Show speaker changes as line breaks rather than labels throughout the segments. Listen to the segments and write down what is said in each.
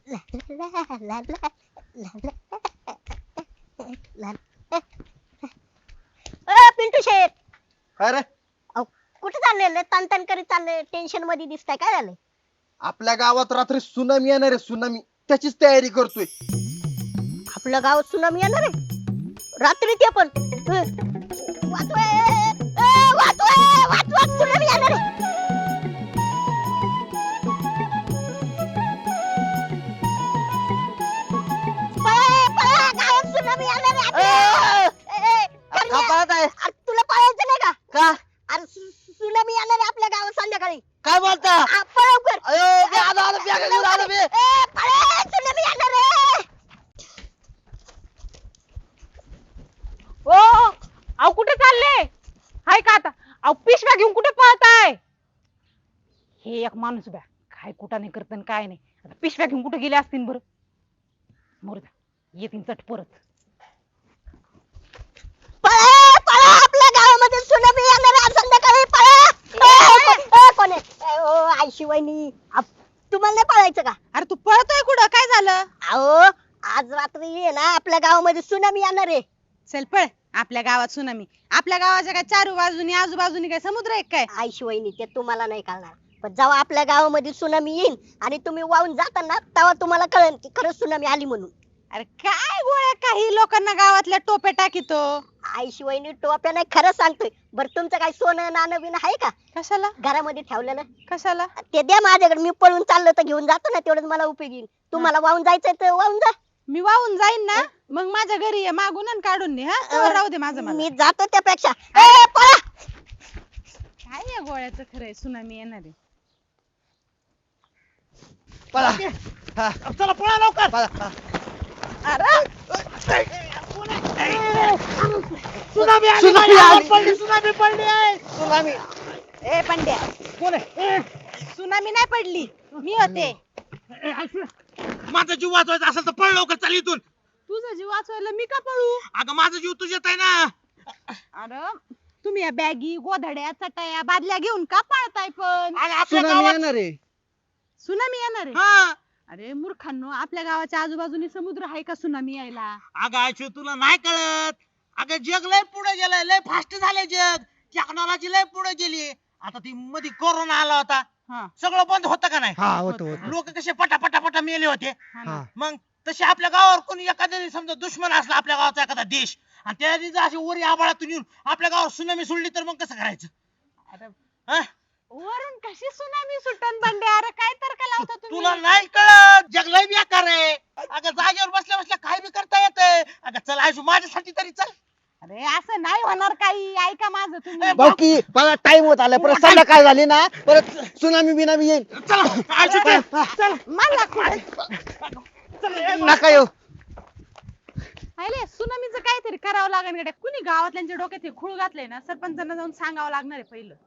पिंटू शेठ,
अरे
कुठे चालले? तन तन करीत चालले, टेन्शन मध्ये दिसताय, काय झालंय?
आपल्या गावात रात्री सुनामी येणार आहे, सुनामी त्याचीच तयारी करतोय.
आपलं गाव सुनामी येणार आहे रात्री, ते पण वाचवा, वाचवा, वाचवा, सुनामी येणार आहे. पळा, पळा, गावात सुनामी येणार आहे आपल्या. करण्या, अरे तुला पळायचं नाही का?
का
अरे सुनामी येणार आहे आपल्या गावात संध्याकाळी.
काय बोलता?
पळ लवकर.
अयो मी आलो बॅग घेऊन आलो मी.
पळा, सुनामी येणार आहे.
ओ अहो कुठे चालले? हाय का आता? अहो पिशव्या घेऊन कुठे पळताय? हे एक माणूस बॅ काय कुठं नाही करत आणि काय नाही. आता पिशव्या घेऊन कुठे गेले असतील बरं? मोरदा येतील चट परत.
पळा, पळा, आपल्या गावामध्ये सुनामी येणार आहे संध्याकाळी. पळा. कोण आहे? ओ आयशी वहिनी, तुम्हाला नाही पळायचं का?
अरे तू पळतोय कुठं? काय झालं?
अहो आज रात्री आहे ना आपल्या गावामध्ये सुनामी येणार आहे.
चल पळ. आपल्या गावात सुनामी? आपल्या गावाच्या काय चारू बाजूनी आजूबाजूनी काय समुद्र आहे काय?
आयशी वहिनी, ते तुम्हाला नाही कळणार, पण जेव्हा आपल्या गावामध्ये सुनामी येईल आणि तुम्ही वाहून जाता ना, तेव्हा तुम्हाला कळेल की खरंच सुनामी आली म्हणून.
अरे काय गोळ्या काही लोकांना गावातल्या टोप्या टाकीतो.
आयशी वहिनी टोप्या नाही, खरं सांगतोय. बरं तुमचं काय सोनं नाणं बिन आहे का
कशाला?
घरामध्ये ठेवलेलं?
कशाला?
ते द्या माझ्याकडे, मी पळून चाललो तर घेऊन जातो ना, तेवढंच मला उपयोग येईल. तुम्हाला वाहून जायचंय तर वाहून जा.
मी वाहून जाईन ना, मग माझ्या घरी ये मागून आणि काढून ने. हा तेवढं राहू दे माझं मला.
मी जातो त्यापेक्षा. पळा.
काय या गोळ्याचं खरंय, सुनामी येणार आहे.
पळा. हा, चला पळा लवकर. पळा. सुनामी आली,
सुनामी आली.
पडली, सुनामी पडली आहे. सुनामी.
ए पंड्या,
कोण आहे?
सुनामी नाही पडली, मी होते.
माझा जीव वाचवायचा असेल तर पळ लवकर, चल इथून.
तुझा जीव वाचवायला मी का पळू?
अगं माझा जीव तुझ्यात आहे ना.
अरे तुम्ही या बॅगी गोधड्या चटाया बादल्या घेऊन का पळताय पण?
अगं आपल्या
सुनामी
गावात
येणार आहे.
सुनामी येणार आहे?
हा.
अरे मूर्खांनो, आपल्या गावाच्या आजूबाजूनी समुद्र आहे का सुनामी यायला?
अगं आयशू तुला नाही कळत. अगं जग लय पुढे गेलंय, लय फास्ट झालंय जग. टेक्नॉलॉजी लय पुढे गेली. आता ती मध्ये कोरोना आला होता,
हा,
सगळं बंद होतं का नाही?
हा होत होत.
लोक कसे पटापटा मेले होते.
हा ना.
हा.
मग तसे आपल्या गावावर कोणी एखाद्याने समजा दुश्मन असला आपल्या गावाचा एखादा देश, आणि त्याने जर अशी वरी आबाळातून येऊन आपल्या गावावर सुनामी सोडली तर मग कसं करायचं?
अरे
हा?
वरून कशी सुनामी सुटन बंड्या? अरे काय तर्क लावता
तुला
तुम्ही?
नाही कळत, जग लय बेकार आहे. अगं जागेवर बसल्या बसल्या काय बी करता येतंय. अगं चल आयशू माझ्यासाठी तरी चल.
अरे असं नाही होणार काही, ऐका माझं तुम्ही.
बाकी मला टाइम होत आला, परत संध्याकाळ झाली ना, परत सुनामी बिनामी येईल.
चल आयशू चल. चल
मला कुठे
नका येऊ.
आले सुनामीचं काहीतरी करावं लागेल गड्या. कुणी गावातल्यांच्या डोक्यात हे खूळ घातलंय ना, सरपंचांना जाऊन सांगावं लागणार आहे पहिलं.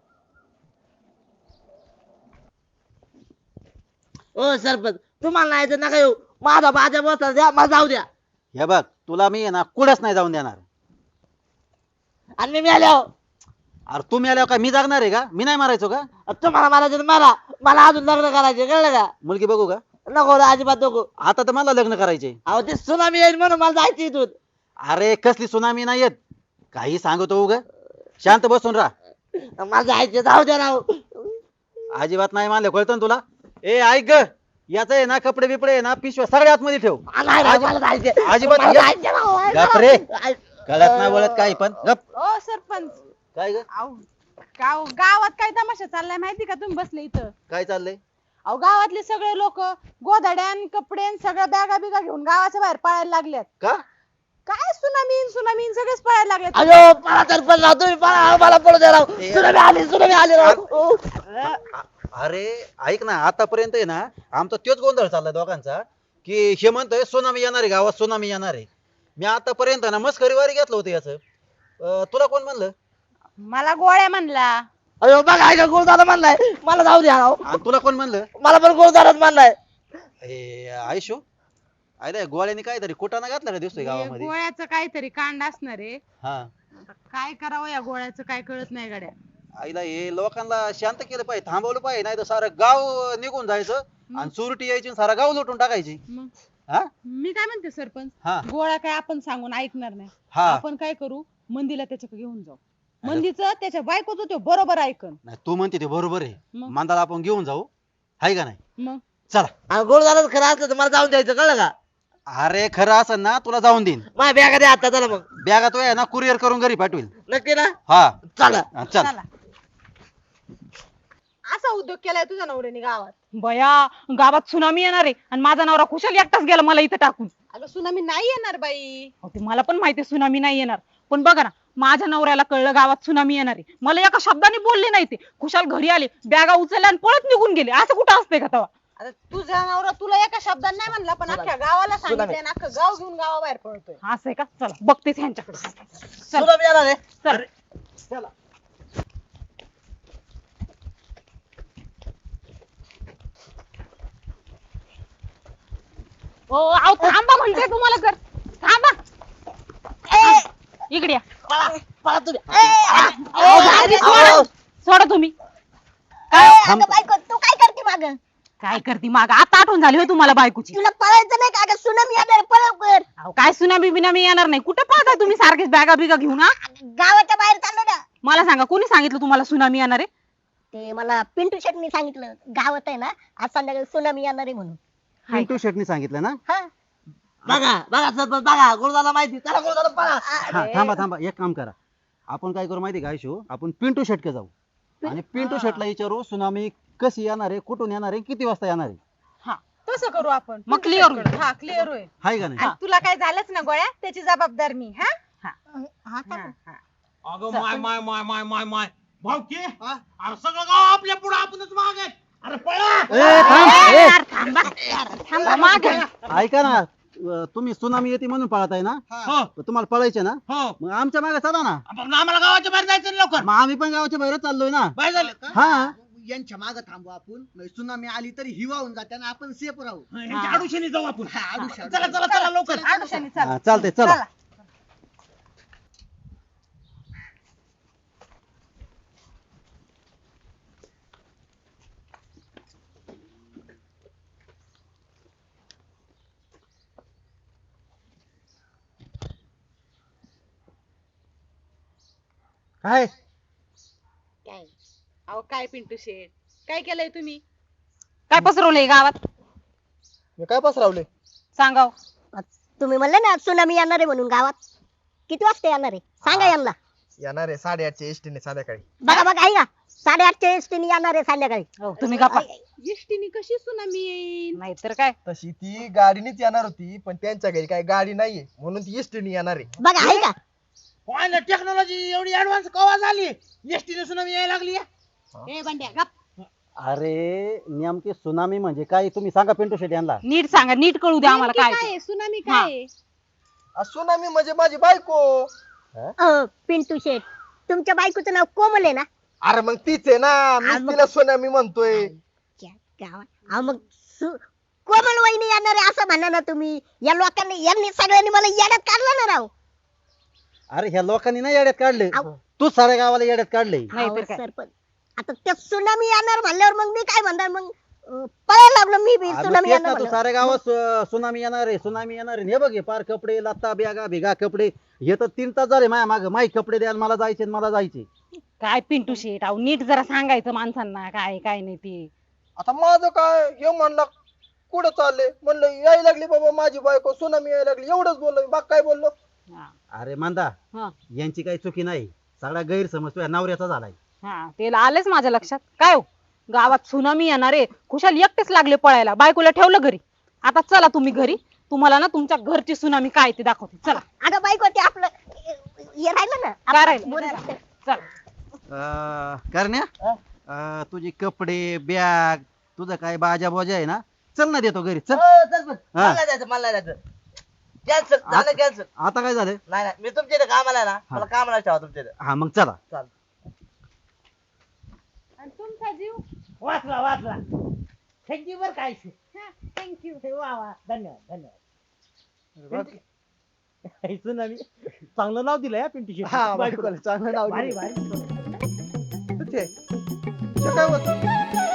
ओ सरपंच, तुम्हाला नाही तर नका येऊ. माझा बाजा बसला द्या, मला जाऊ द्या.
हे बघ तुला मी आहे ना कुठंच नाही जाऊन देणार.
आणि मी आल्यावर
अरे तू मेल्यावर काय मी जागणार आहे का? मी नाही मारायचो का?
तुम्हाला मारायचं तर मारा, मला अजून लग्न करायचे, कळलं का?
मुलगी बघू का?
नको रे, अजिबात नको.
आता तर मला लग्न करायचे.
अहो ते सुनामी येईल म्हणून मला जायचं इथून.
अरे कसली सुनामी नाही येत, काही सांगतो उग. शांत बसून राहा.
मला जायचं, जाऊ द्या राव.
अजिबात नाही मानलं, कळतं ना तुला? ए ऐक ग, याच आहे ना कपडे बिपडे आहे ना पिशव्या सगळ्या आतमध्ये ठेव.
नाही राव, मला जायचं.
अजिबात
मला
ये.
जायचं राव.
गप रे. कळत नाही बोलत काही पण गप.
ओ सरपंच,
काय ग?
अहो गावात काय तमाशा चाललाय माहिती का? तुम्ही बसले इथं.
काय चाललंय?
अहो गावातले सगळे लोक गोधड्यान कपड्यान सगळ्या बॅगा बिगा घेऊन गावाच्या बाहेर पळायला लागल्यात.
का?
काय सुनामी सगळेच पळायला लागलेत.
अयो मला सरपंच राव, तुम्ही पळा, मला पळू द्या राव. सुनामी आली राव.
अरे ऐक ना, आतापर्यंत आहे ना आमचा तोच गोंधळ चाललाय दोघांचा, की हे म्हणतोय सुनामी येणार आहे गावात, सुनामी येणार आहे. मी आतापर्यंत ना मस्करीवारी घेतलं होतं याच. तुला कोण म्हणलं?
मला गोळ्या म्हणला.
अयो बघा, ऐका, गुरुदादा म्हणलाय मला जाऊ द्या राव.
आणि तुला कोण म्हणलं?
मला पण गुरुदाराच म्हणलाय.
आयशो अरे गोळ्याने काहीतरी कुटाणा घातला का दिसतोय
हे
गावामध्ये?
गोळ्याचं काहीतरी कांड असणार आहे.
हा.
आता काय करावं या गोळ्याचं काय कळत नाही गड्या.
आईला हे लोकांना शांत केलं पाहिजे, थांबवलं पाहिजे, नाही तर सारं गाव निघून जायचं आणि चोरटी यायची आणि सारा गाव लुटून टाकायची.
मग
हा
मी काय म्हणते सरपंच,
हा
गोळ्या काय आपण सांगून ऐकणार नाही.
हा
आपण काय करू, मंदीला त्याच्याकडे घेऊन जाऊ. मंदीचं त्याच्या बायकोचं तो बरोबर ऐकन.
नाही तू म्हणते ते बरोबर आहे.
मग?
मांदाला आपण घेऊन जाऊ, हाय का नाही?
मग
चला.
गोड झालं खरं असलं तर मला जाऊन द्यायचं, कळलं का?
अरे खरं असं ना तुला जाऊन देईन.
माझ्या बॅगा द्या आता, चला मग.
बॅगा तो आहे ना कुरिअर करून घरी पाठवेल.
नक्की ना?
हा
चला.
चल.
चला. असा उद्योग केलाय तुझ्या नवऱ्याने गावात.
बया, गावात सुनामी येणार आहे आणि माझा नवरा खुशाल एकटाच गेला मला इथं टाकून.
अगं सुनामी नाही येणार बाई.
अहो, ते मला पण माहिती सुनामी नाही येणार, पण बघा ना, माझ्या नवऱ्याला कळलं गावात सुनामी येणार आहे, मला एका शब्दाने बोलले नाही ते. खुशाल घरी आले, बॅगा उचलल्या आणि पळत निघून गेले. असं कुठं असतंय का तेव्हा?
आता तुझा नवरा तुला एका शब्दात नाही म्हणला, पण अख्ख्या गावाला सांगितलंय ना, अख्खं गाव घेऊन गावाबाहेर पळतोय.
असं आहे का? चला बघतेच ह्यांच्याकडे.
सुनामी येणार आहे.
चल. ओ आव थांबा म्हणते तुम्हाला, कर थांबा. इकडे या.
पळा तुम्ही.
अहो, दाजी, सोडा. सोडा तुम्ही.
थांब.
अगं बायको तू काय करते माग?
काय करते माग? आता आठवण झाली होय तुम्हाला बायकोची?
तुला पळायचं नाही का? अगं सुनामी येणार पळव कर.
अहो, काय सुनामी बिनामी येणार नाही. कुठं पाहताय तुम्ही सारखेच बॅगा बिगा घेऊन? हा,
गावाच्या बाहेर चाललो ना.
मला सांगा, कोणी सांगितलं तुम्हाला सुनामी येणार आहे?
ते मला पिंटू शेटनी सांगितलं, गावात आहे ना आज संध्याकाळी सुनामी येणार आहे म्हणून.
पिंटू शेटनी सांगितलं ना?
हा
बघा बघा सरपंच, बघा गोडदाला माहिती. चला गोडदाला पळा.
हा थांबा थांबा, एक काम करा. आपण काय करू माहिती का आयशू, आपण पिंटू शेटके जाऊ आणि पिंटू शेटला विचारू सुनामी कशी येणार आहे, कुठून येणार आहे, किती वाजता येणार आहे.
तसं करू आपण.
मग clear होईल.
हा क्लिअर होईल.
हाय का नाही?
आणि तुला काय झालंच ना गोळ्या, त्याची जबाबदार मी. हा
हा का?
अगं माय माय माय माय माय माय भाऊकी, अरे सगळं गाव आपल्या पुढे आपणच माग आहे. अरे पळा.
ए, थांब. ए,
यार, थांबा. थांबा मागे.
ऐका ना, तुम्ही सुनामी येते म्हणून पळताय ना?
हो
तुम्हाला पळायचे ना?
हो,
मग आमच्या मागे चला ना.
आपण आम्हाला गावाच्या बाहेर जायचं ना लवकर.
मग आम्ही पण गावाच्या बाहेर चाललोय ना.
बाहेर झालं का?
हा
यांच्या मागे थांबू आपण, म्हणजे सुनामी आली तरी हिवाहून जाते ना, आपण सेफ राहू.
यांच्या आडुशाने जाऊ आपण.
आडुशा.
चला चला चला लवकर.
आडुशाने चल.
हा, चालतंय चला.
काय
काय अहो काय पिंटू शेठ, काय केलंय तुम्ही?
काय पसरवलंय गावात?
मी काय पसरावले?
सांगाव.
तुम्ही म्हणले ना सुनामी येणार आहे म्हणून, गावात किती वाजता येणार आहे सांगा यांना.
येणार आहे 8:30च्या एसटीने संध्याकाळी.
बघा बघा ऐका, 8:30च्या एसटीने येणार आहे संध्याकाळी.
हो, तुम्ही गप्पा.
एसटीने कशी सुनामी येईल?
नाहीतर काय.
तशी ती गाडीनेच येणार होती, पण त्यांच्या घरी काही गाडी नाहीये म्हणून ती एसटीने येणार आहे.
बघा ऐका,
टेक्नॉलॉजी एवढी ऍडव्हान्स कवा झाली, एसटीने सुनामी यायला लागली.
ए बंड्या गप.
अरे नेमकी सुनामी म्हणजे काय तुम्ही सांगा पिंटू शेट यांना.
नीट सांगा, नीट कळू द्या आम्हाला
नेमकी
काय
काय
ते.
आहे? सुनामी
हा.
काय आहे?
सुनामी म्हणजे माझी बायको.
पिंटू शेठ तुमच्या बायकोचं नाव कोमल आहे ना?
अरे मग तीच आहे ना, मी तिला सुनामी म्हणतोय.
मग कोमल वहिनी येणार आहे असं म्हणा ना तुम्ही. या लोकांनी यांनी सगळ्यांनी मला येड्यात काढलं ना राव.
अरे ह्या लोकांनी नाही येड्यात काढले,
अहो.
तू साऱ्या गावाला येड्यात काढले.
नाहीतर
अहो,
काय.
सरपंच आता त्या सुनामी येणार म्हणल्यावर मग मी काय म्हणणार, मग पळायला लागलो मी बी.
अरे
सुनामी
तेच ना,
येणार
तू
म्हणल्यावर.
साऱ्या गावात सुनामी येणार आहे, सुनामी येणार आहे. हे बघ हे पार कपडे लत्ता बॅगा भिगा कपडे, हे तर 3 तास झाले माझ्या माग. माई कपडे द्याल, मला जायचे मला जायचे.
काय पिंटू शेट, अहो नीट जरा सांगायचं माणसांना काय काय नाही ते.
आता माझं काय, हे म्हणलं कुठं चालले, म्हणलं यायला लागली बाबा माझी बायको, सुनामी यायला लागली, एवढंच बोललो. बाग काय बोललो?
हा.
अरे मांदा,
हा.
यांची काही चुकी नाही, सगळा गैरसमज तुझ्या नवऱ्याचा झालाय.
हा, ते आलेच माझ्या लक्षात. काय हो, गावात सुनामी येणार आहे, खुशाल एकटेच लागले पळायला, बायकोला ठेवलं घरी. आता चला तुम्ही घरी, तुम्हाला ना तुमच्या घरची सुनामी काय ते दाखवते. चला.
अगं बायको ते आपलं हे राहिलं ना
काय
आपलं
राहिलं?
बोलणं.
चला.
करण्या, तुझे कपडे बॅग तुझं काय बाजा बोजा आहे ना, चल ना देतो घरी चल.
हो, चल पण.
हा.
मला नाही जायचं, मला नाही जायचं. कॅन्सल झालं, कॅन्सल.
आता काय झालं?
नाही नाही, मी तुमच्या इथे कामाला आहे ना, मला कामाला ठेवा तुमच्या इथे.
हा मग चला.
आणि तुमचा जीव?
वाचला वाचला. थँक्यू बर काय.
थँक्यू.
वा वा, धन्यवाद धन्यवाद. सुनामी चांगलं नाव दिलंय पिंटू शेट.
हा बायकोला चांगलं नाव
भारी
दिलं.
भारी.
ते काय होतं?